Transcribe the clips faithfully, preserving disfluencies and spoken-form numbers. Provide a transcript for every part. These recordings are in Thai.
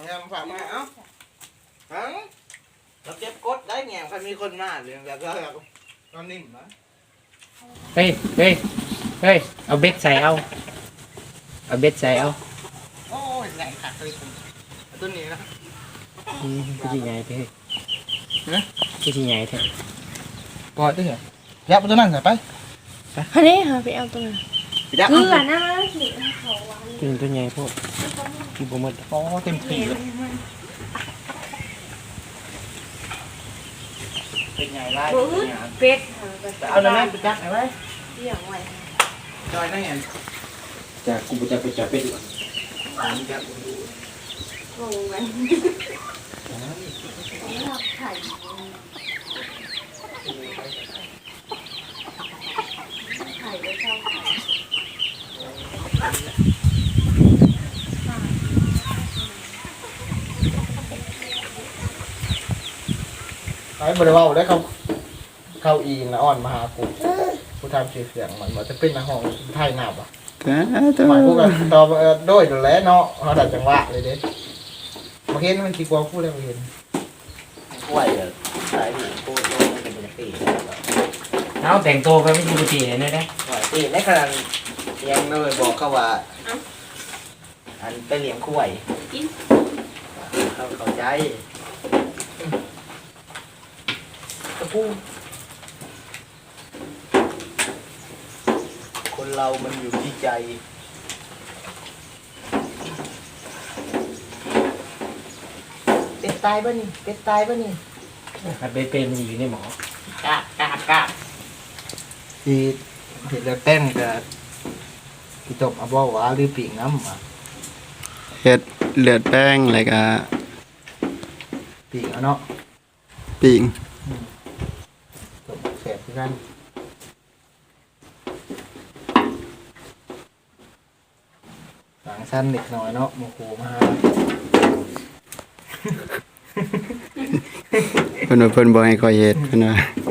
งามฝากมาเอ้าฮังเราเจ็บกดได้แง่ใครมีคนมาเรื่องแบบแบบตอนนิ่มนะเฮ้ยเฮ้ยเฮ้ยเอาเบ็ดใส่เอาเอาเบ็ดใส่เอาโอ้ยแรงขาดเลยตัวนี้นะอืมพี่จีใหญ่ไปเฮ้ยนะพี่จีใหญ่แท้ปล่อยได้เหรอยับตัวนั้นใส่ไปอันนี้ค่ะไปเอาตัวนั้นคืออ่ะนะสิเขาวางกินตัวใหญ่พวกกินบะหมี่โอ้เต็มที่เลยเป็นไงล่ะเป็ดเอาแล้วแม่ไปจักไหนไว้เลี้ยงไว้จอยนั่งเห็นจากกูจะไปจับเป็ดดีกว่าจับดูงงไหมไข่ไข่ได้เท่าไข่ไอ้บริวารได้เขาเข้าอีนะอ่อนมาหากูผู้ทำเสียงเสียงมันมันจะเป็นในห้องไทยหนาบอ่ะหมายพวกกันตอบโดยดูแลเนาะเขาดัดจังหวะเลยเด้มาเห็นมันกี่กว่าพูดได้มาเห็นกล้วยเหรอใช่ดิพูดว่ามันเป็นปกติเอาแต่งตัวไปไม่ปกติเลยได้ปกติในขณะยังเลยบอกเขาว่าอันไปเลี้ยงกล้วยเขาเข้าใจตะปูคนเรามันอยู่ที่ใจเป็ดตายป่ะนี่เป็ดตายป่ะนี่เบ็ดเป็นมันอยู่ในหมอกาบกาบกาบที่เห็นแล้วเต้นกับที่ตบอาบ่าวาหรือปีกน้ำมาเห็ดเลือดแป้งอะไรกะปีกเนาะปีกตบแสบที่กันหลังสั้นเด็กน้อยเนาะโมโหมาเพิ่นว่าเพิ่นบ่ให้คอยเฮ็ดเพิ่นว่า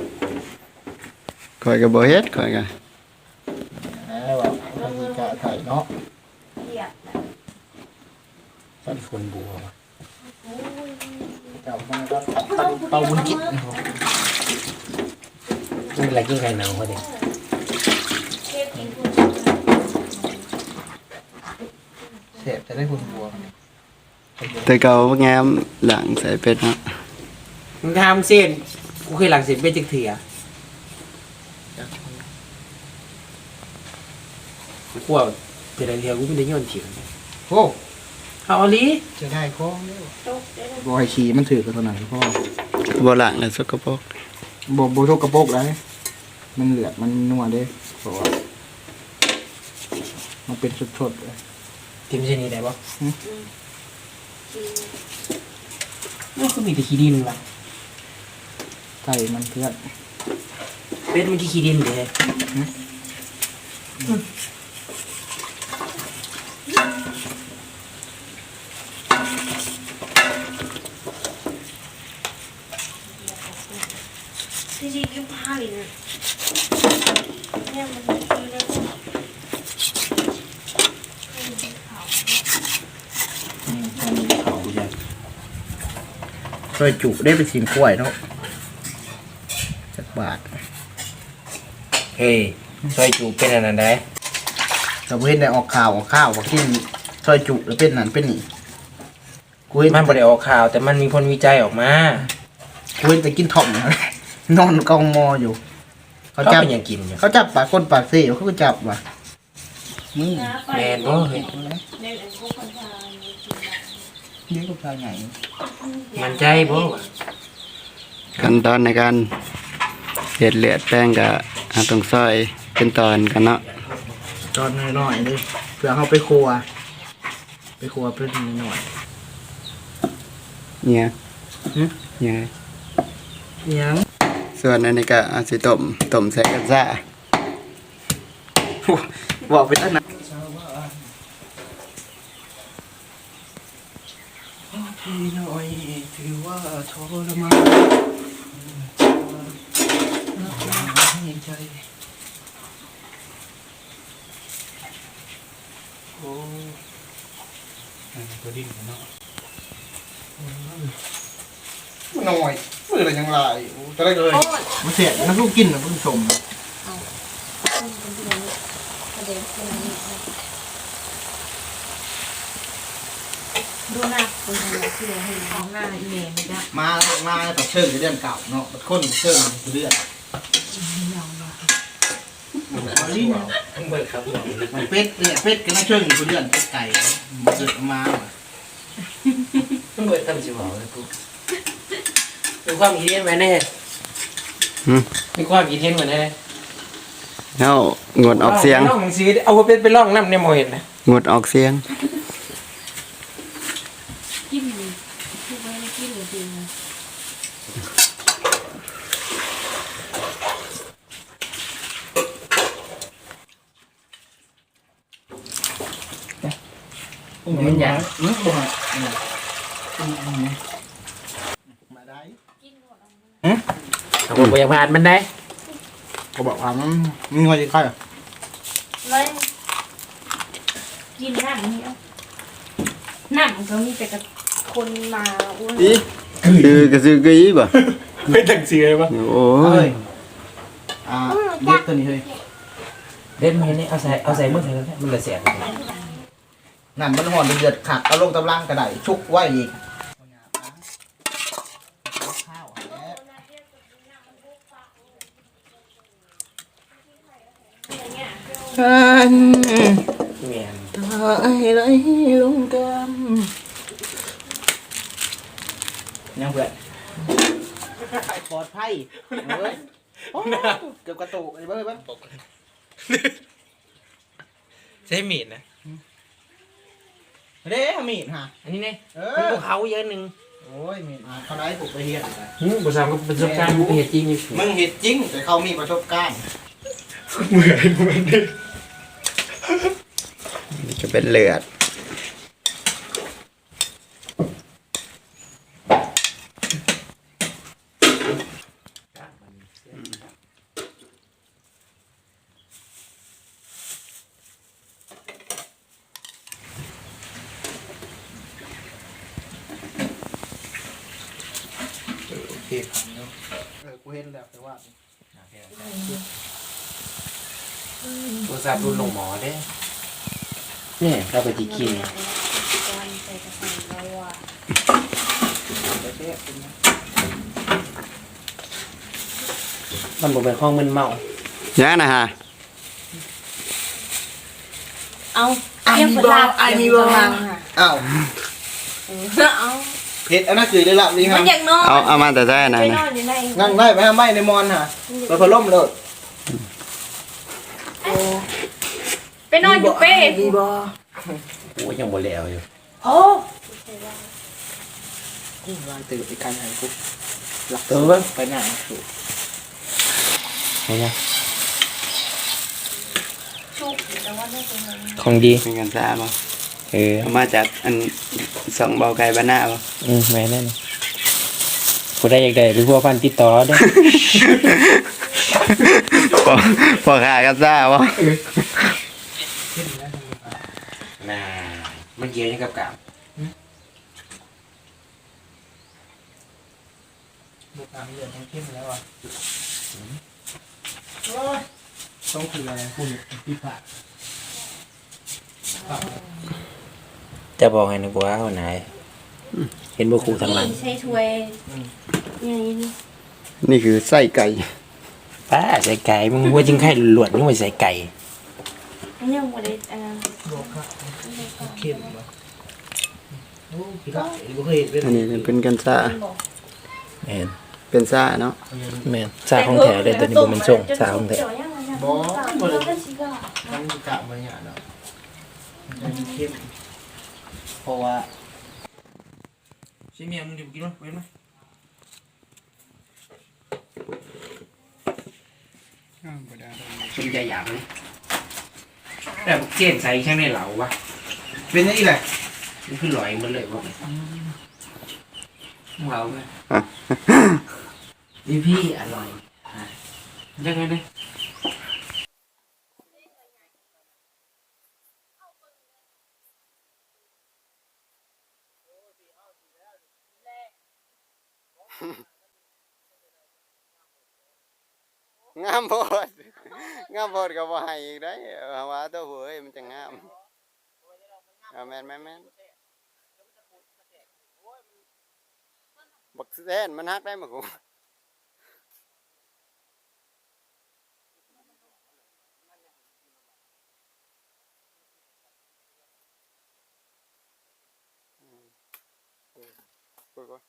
คอยก็บ่เฮ็ดคอยก็แล้วว่าทำมีกะไถ่เนาะต้นฝนบัวเจ้ามันก็เป่าบุญกิจนี่อะไรกินไข่หนาวเขาเด็กเสพจะได้บุญบัวแต่เก่างามหลังใส่เป็ดเนาะมึงทำเส้นกูเคยหลังเส้นเป็ดจักเถียกูว่าเป็นอะไรเดียวกูไม่ได้ย้อนเถียงโอ้เอาอลีจะได้ข้องแล้วบอยขี่มันถือกันตอนไหนพ่อบ่หลังแล้วสกปรกบ่บ่ทกกระโปกได้มันเหลือมันนัวเด้เพราะว่ามันเป็นสดๆเลยทีมเช่นนี้ได้ปะนี่คือมีแต่ขี้ดินละไก่มันเพื่อนเป็ดมันขี้ดินเลยที่จริงก็ผ้าเลยนะเนี่ยมันคือแล้วซอยจุได้ไปชิมกล้วยเนาะสักบาทเฮ้ยซอยจุเป็นอันนั้นได้เราเห็นได้ออกข่าวออกข้าวว่ากินซอยจุแล้วเป็นนั่นเป็นนี่กูเห็นมันบ่ได้ออกข่าวแต่มันมีผลวิจัยออกมากูเห็นแต่กินถ่อมนอนกองมออยู่เขาจับอย่างกินอยู่เขาจับปากคนปากเสียวเขาก็จับว่ะนี่แมนบ่เฮ้ยเลี้ยงลูกชายใหญ่มันใจบ่ขั้นตอนในการเฮ็ดเลือดแป้งก็ต้องซอยเป็นตอนกันเนาะตอนน้อยๆเลยเพื่อเขาไปครัวไปครัวเพื่อนนิดหน่อยเนี่ยเนี่ยยังส่วนอันนี้ก็อาจสิต้มต้มใส่กระซ่าบอกไปตั้งนานพี่น้อยถือว่าทรมานให้ใจโอ้ตัวดิ้นเนาะหน่อยมืออะไรยังไรจะได้เลยมันเสียน้ำลูกกินนะผู้ชมดูหน้าคนทำอะไรที่เราเห็นของหน้าอีเมลไม่ได้มามาแต่เชิงเรื่องเก่าเนาะคนเชิงเรื่องเบิดครับมันเป็ดเนี่ยเป็ดก็น่าเชิงเรื่องเป็ดไก่มาเกิดมาเบิดทำสิบอกเลยกูมีความคิดเห็นไหมแน่หืมมีความคิดเห็นเหมือนไงเฮางดออกเสียงล่องหนังสือเอาไปเป็นล่องน้ำเนี่ยโมเห็นนะงดออกเสียงกินเลยคือไม่ได้กินเลยจริงนะมันอยากเนื้อบ่มาได้เอาไปอยากผ่านมันได้เขาบอกว่ามันมีอะไรใครอ่ะเลยกินน้ำนี่เอาน้ำก็มีแต่กับคนมาอ้วนอีคือกระซือกะอีบ่ไม่ตั้งเสือปะโอ้เฮ้ยยอ่าเล็กตัวนี้เฮ้ยเล่นมาเห็นนี่เอาใส่เอาใส่มือใส่แล้วมันละเสียนั่นมันห่อนเดือดขัดเอาลงตำลังกระไดชุกไว้อีกข้าวฉันเมียนตายไรลงกำยังเพื่อนปลอดภัยเฮ้ยโอ้เกือบกระตุกไอ้เบ้ยบ้างใช้มีดนะเด้มีดฮะอันนี้ไงเอมันอภูเขาเยอะหนึ่งโอ้ยมีดมาเขาได้ปลุกไปเฮียนอืมประสบกับประสบการณ์เหตุจริงอยู่มึงเห็ดจริงแต่เขามีประสบการณ์เหมือนเหมือนจะเป็นเลือดโอเคครับเนาะเออกูเห็นแล้วแต่ว่าตัวซาบุนลงหมอได้เนี่ยเราไปจีกินมันบอกเป็นห้องมันเมายังนะฮะเอาเรียกประธานไอ้มีบ้างอ้าวเอาเห็ดอันนั้นคือได้ละนี่คมัรันบอยากนอนเอาเอามาแต่ได้นะไปนนะอนอยู่ในนั่งได้ไหมฮะไม่ในมอนฮะไปพะล่มเลยไปนอนอยู่เป้มีบ่โอ้ยังบ่แล้วอยู่โอ้กูวางตื่นไปการหายกูหลักเออเว้ยไปหน้าสูเห็นไหมชุกแต่ว่าได้เป็นของดีเป็นกันซ่าบ่เออเอามาจากอันสองเบาไก่บ้านหน้าบ่อืมแม่นั่นผู้ใดอยากได้หรือผู้พันติดต่อได้พอพอขากันซ่าบ่น่ามันเกี่ยวยังกับกาบบุกอ่างเลือดทั้งเข้มแล้วอ่ะต้องคืออะไรคุณพี่ผ่าจะบอกให้นึกว่าวันไหนเห็นบุครูทางหลังใช้ถ้วยอย่างนี้นี่คือไส้ไก่ป้าใส่ไก่มึงว่าจริงไข่หลวดมึงไปใส่ไก่มันยังไม่ได้อ่าโลค่ะเข้มบ่โอ้พี่ผ่าอีกบ่เคยเห็นเลยอันนี้เป็นกันซ่าแม่นเป็นซ่าเนาะแม่นซาของแถวเลยตัวนี้บ่เป็นส่งซาของแถวบ่บ่เลยมันกะมาเนี่ยเนาะมันเข้มเพราะว่าใช่เมียมึงดิบกินมั้ยเว้นมั้ยคุณจะอยากเลยแต่เกณฑ์ใส่ช่างในเหลาวะเป็นยังไงแหละมันคือลอยมันเลยวะเหลาไหมพี่พี่อร่อยยังไงเนี่ยงามโพดงามโพดก็บ่ให้อีกได้เอาว่าตัวหัวเอ้ยมันจะงามเอาแม่นแม่นแม่นบักแซนมันฮักได้มากูกูกู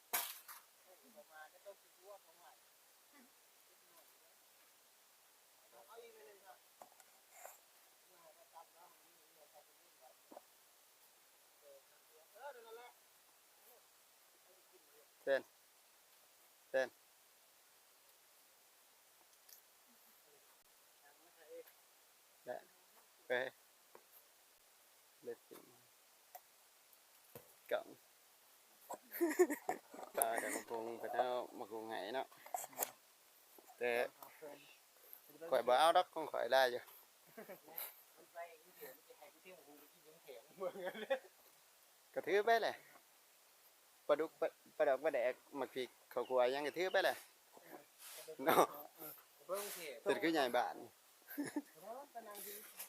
เต้นเต้นได้ไปเล็ดจริงกังตากันมาคงไปแล้วมาคงไงเนาะแต่ข่อยบ่เอาดอกของข่อยได้อยู่กระทืบไปเลยปลาดุกปลาปลาดอกปลาแดกหมักพริกข้าวคั่วยังกระทืบไปเลยเนาะเสร็จคือใหญ่บ้าน